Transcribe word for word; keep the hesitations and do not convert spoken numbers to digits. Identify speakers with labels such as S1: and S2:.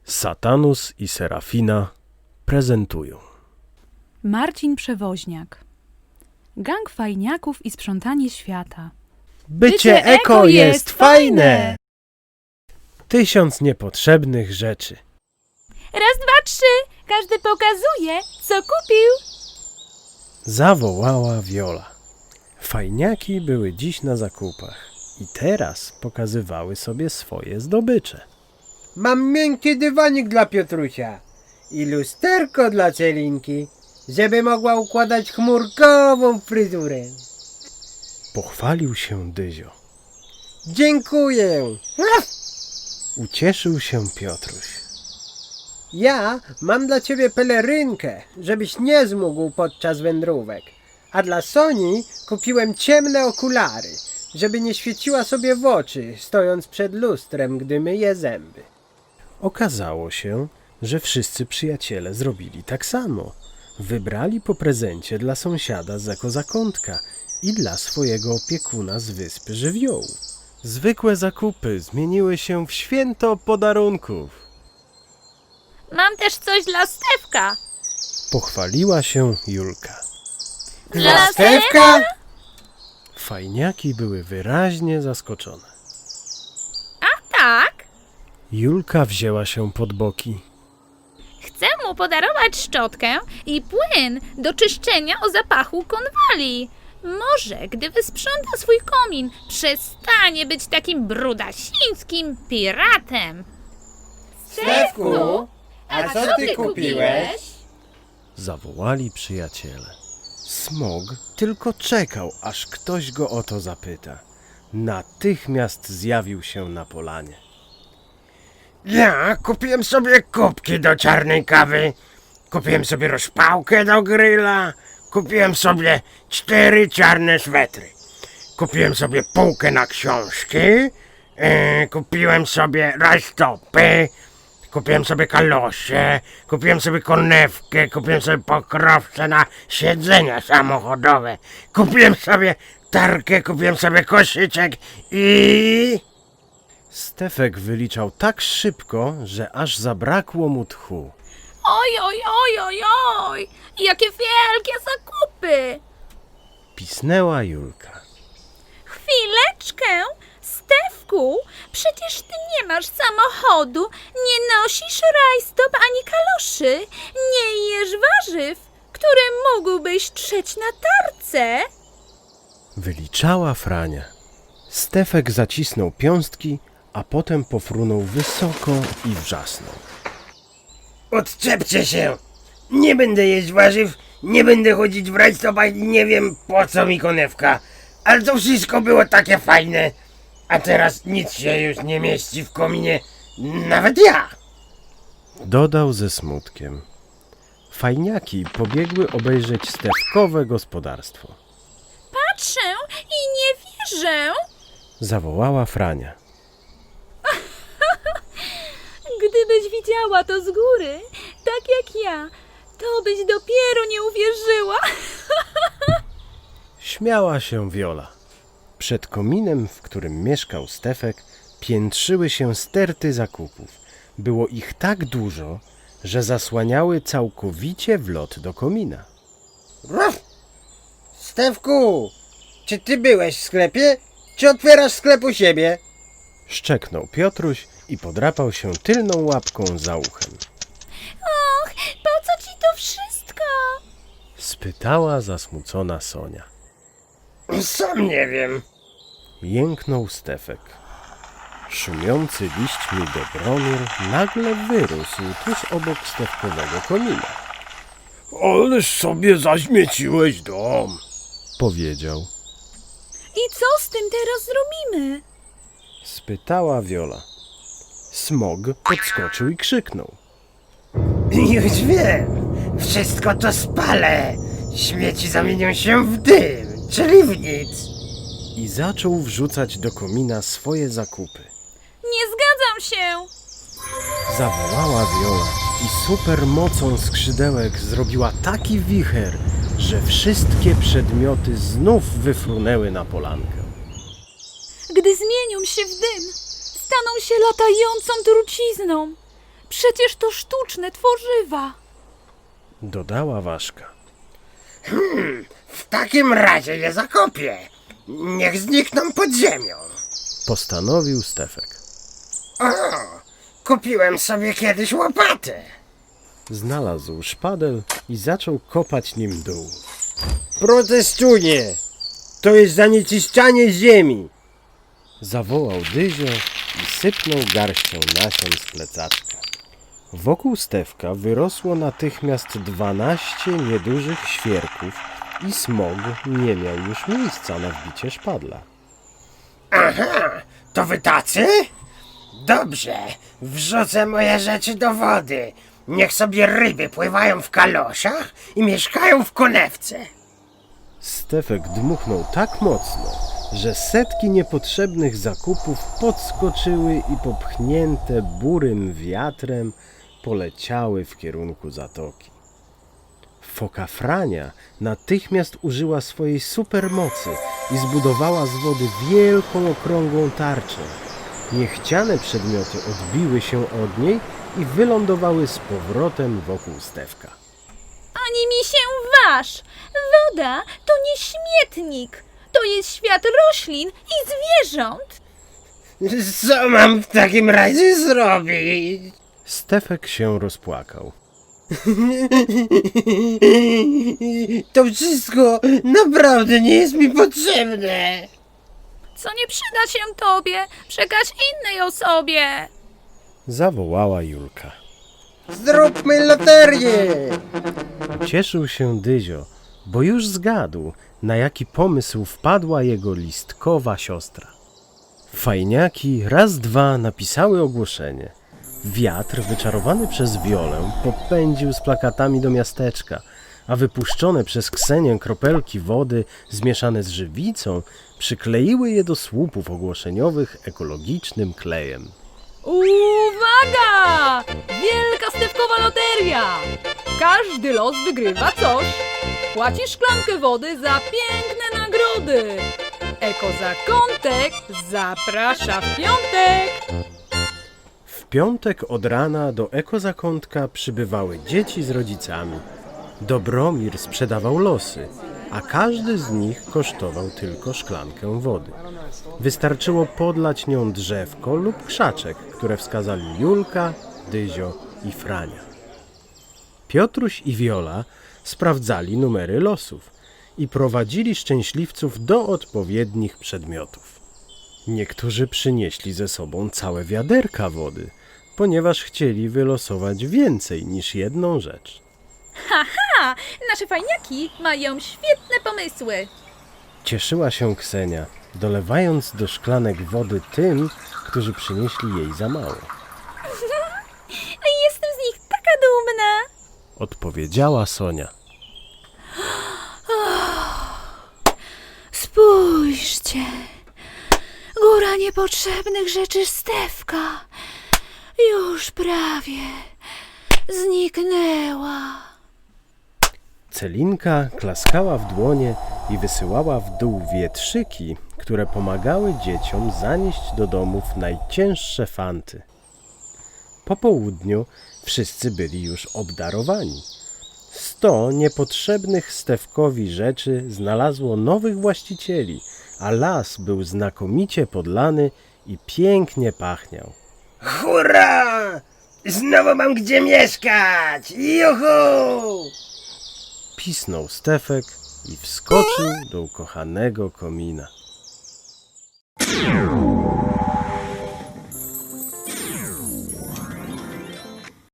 S1: Satanus i Serafina prezentują.
S2: Marcin Przewoźniak. Gang fajniaków i sprzątanie świata.
S1: Bycie eko jest fajne! Tysiąc niepotrzebnych rzeczy.
S2: Raz, dwa, trzy! Każdy pokazuje, co kupił.
S1: Zawołała Wiola. Fajniaki były dziś na zakupach i teraz pokazywały sobie swoje zdobycze.
S3: Mam miękki dywanik dla Piotrusia i lusterko dla Celinki, żeby mogła układać chmurkową fryzurę.
S1: Pochwalił się Dyzio.
S3: Dziękuję.
S1: Ucieszył się Piotruś.
S3: Ja mam dla ciebie pelerynkę, żebyś nie zmógł podczas wędrówek. A dla Soni kupiłem ciemne okulary, żeby nie świeciła sobie w oczy, stojąc przed lustrem, gdy myje zęby.
S1: Okazało się, że wszyscy przyjaciele zrobili tak samo. Wybrali po prezencie dla sąsiada z ekozakątka i dla swojego opiekuna z Wyspy Żywiołu. Zwykłe zakupy zmieniły się w święto podarunków.
S4: Mam też coś dla Stefka.
S1: Pochwaliła się Julka.
S3: Dla Stefka?
S1: Fajniaki były wyraźnie zaskoczone.
S4: Tak,
S1: Julka wzięła się pod boki.
S4: chcę mu podarować szczotkę i płyn do czyszczenia o zapachu konwali. Może, gdy wysprząta swój komin, przestanie być takim brudasińskim piratem.
S3: Stefku, a co ty kupiłeś?
S1: Zawołali przyjaciele. Smog tylko czekał, aż ktoś go o to zapyta. Natychmiast zjawił się na polanie.
S3: Ja kupiłem sobie kubki do czarnej kawy, kupiłem sobie rozpałkę do gryla, kupiłem sobie cztery czarne swetry, kupiłem sobie półkę na książki, yy, kupiłem sobie rajstopy, kupiłem sobie kalosze, kupiłem sobie konewkę, kupiłem sobie pokrowce na siedzenia samochodowe, kupiłem sobie tarkę, kupiłem sobie koszyczek i...
S1: Stefek wyliczał tak szybko, że aż zabrakło mu tchu.
S4: Oj, oj, oj, oj, oj! Jakie wielkie zakupy!
S1: Pisnęła Julka.
S4: Chwileczkę! Stefku, przecież ty nie masz samochodu, nie nosisz rajstop ani kaloszy, nie jesz warzyw, które mógłbyś trzeć na tarce.
S1: Wyliczała Frania. Stefek zacisnął piąstki, a potem pofrunął wysoko i wrzasnął.
S3: Odczepcie się! Nie będę jeść warzyw, nie będę chodzić w rajstopach i nie wiem po co mi konewka. Ale to wszystko było takie fajne. A teraz nic się już nie mieści w kominie. Nawet ja!
S1: Dodał ze smutkiem. Fajniaki pobiegły obejrzeć Stefkowe gospodarstwo.
S4: Patrzę i nie wierzę.
S1: Zawołała Frania.
S2: Gdybyś widziała to z góry, tak jak ja, to byś dopiero nie uwierzyła.
S1: Śmiała się Wiola. Przed kominem, w którym mieszkał Stefek, piętrzyły się sterty zakupów. Było ich tak dużo, że zasłaniały całkowicie wlot do komina.
S3: Ruf! Stefku! Czy ty byłeś w sklepie? Czy otwierasz sklep u siebie?
S1: Szczeknął Piotruś i podrapał się tylną łapką za uchem.
S4: Och, po co ci to wszystko?
S1: Spytała zasmucona Sonia.
S3: Sam nie wiem.
S1: Jęknął Stefek. Szumiący liśćmi Dobromir nagle wyrósł tuż obok Stefkowego komina.
S3: Ależ sobie zaśmieciłeś dom.
S1: Powiedział.
S2: I co z tym teraz zrobimy?
S1: Spytała Wiola. Smog podskoczył i krzyknął.
S3: Już wiem. Wszystko to spalę. Śmieci zamienią się w dym, czyli w nic.
S1: I zaczął wrzucać do komina swoje zakupy.
S4: Nie zgadzam się.
S1: Zawołała Wiola i supermocą skrzydełek zrobiła taki wicher, że wszystkie przedmioty znów wyfrunęły na polankę.
S2: Gdy zmienią się w dym, staną się latającą trucizną. Przecież to sztuczne tworzywa.
S1: Dodała Ważka.
S3: W takim razie je zakopię. Niech znikną pod ziemią.
S1: Postanowił Stefek.
S3: O, kupiłem sobie kiedyś łopatę.
S1: Znalazł szpadel i zaczął kopać nim dół.
S3: Protestuję! To jest zanieczyszczanie ziemi.
S1: Zawołał Dyzio i sypnął garścią nasion z plecaczka. Wokół Stefka wyrosło natychmiast dwanaście niedużych świerków i smog nie miał już miejsca na wbicie szpadla.
S3: Aha, to wy tacy? Dobrze, wrzucę moje rzeczy do wody. Niech sobie ryby pływają w kaloszach i mieszkają w konewce.
S1: Stefek dmuchnął tak mocno, że setki niepotrzebnych zakupów podskoczyły i popchnięte burym wiatrem poleciały w kierunku zatoki. Foka Frania natychmiast użyła swojej supermocy i zbudowała z wody wielką, okrągłą tarczę. Niechciane przedmioty odbiły się od niej i wylądowały z powrotem wokół Stefka.
S2: Ani mi się waż! Woda to nie śmietnik. To jest świat roślin i zwierząt.
S3: Co mam w takim razie zrobić?
S1: Stefek się rozpłakał.
S3: To wszystko naprawdę nie jest mi potrzebne.
S4: Co nie przyda się tobie, przekaż innej osobie.
S1: Zawołała Julka.
S3: Zróbmy loterię.
S1: Cieszył się Dyzio, bo już zgadł, na jaki pomysł wpadła jego listkowa siostra. Fajniaki raz dwa napisały ogłoszenie. Wiatr, wyczarowany przez Wiolę, popędził z plakatami do miasteczka, a wypuszczone przez Ksenię kropelki wody zmieszane z żywicą przykleiły je do słupów ogłoszeniowych ekologicznym klejem.
S2: Uwaga! Wielka stewkowa loteria! Każdy los wygrywa coś. Płaci szklankę wody za piękne nagrody. Ekozakątek zaprasza w piątek.
S1: W piątek od rana do ekozakątka przybywały dzieci z rodzicami. Dobromir sprzedawał losy, a każdy z nich kosztował tylko szklankę wody. Wystarczyło podlać nią drzewko lub krzaczek, które wskazali Julka, Dyzio i Frania. Piotruś i Wiola sprawdzali numery losów i prowadzili szczęśliwców do odpowiednich przedmiotów. Niektórzy przynieśli ze sobą całe wiaderka wody, ponieważ chcieli wylosować więcej niż jedną rzecz.
S2: Haha! Nasze fajniaki mają świetne pomysły.
S1: Cieszyła się Ksenia, dolewając do szklanek wody tym, którzy przynieśli jej za mało.
S2: Jestem z nich taka dumna.
S1: Odpowiedziała Sonia.
S2: Spójrzcie. Góra niepotrzebnych rzeczy Stefka już prawie zniknęła.
S1: Celinka klaskała w dłonie i wysyłała w dół wietrzyki, które pomagały dzieciom zanieść do domów najcięższe fanty. Po południu wszyscy byli już obdarowani. Sto niepotrzebnych Stefkowi rzeczy znalazło nowych właścicieli, a las był znakomicie podlany i pięknie pachniał.
S3: Hurra! Znowu mam gdzie mieszkać! Juhu!
S1: Pisnął Stefek i wskoczył do ukochanego komina.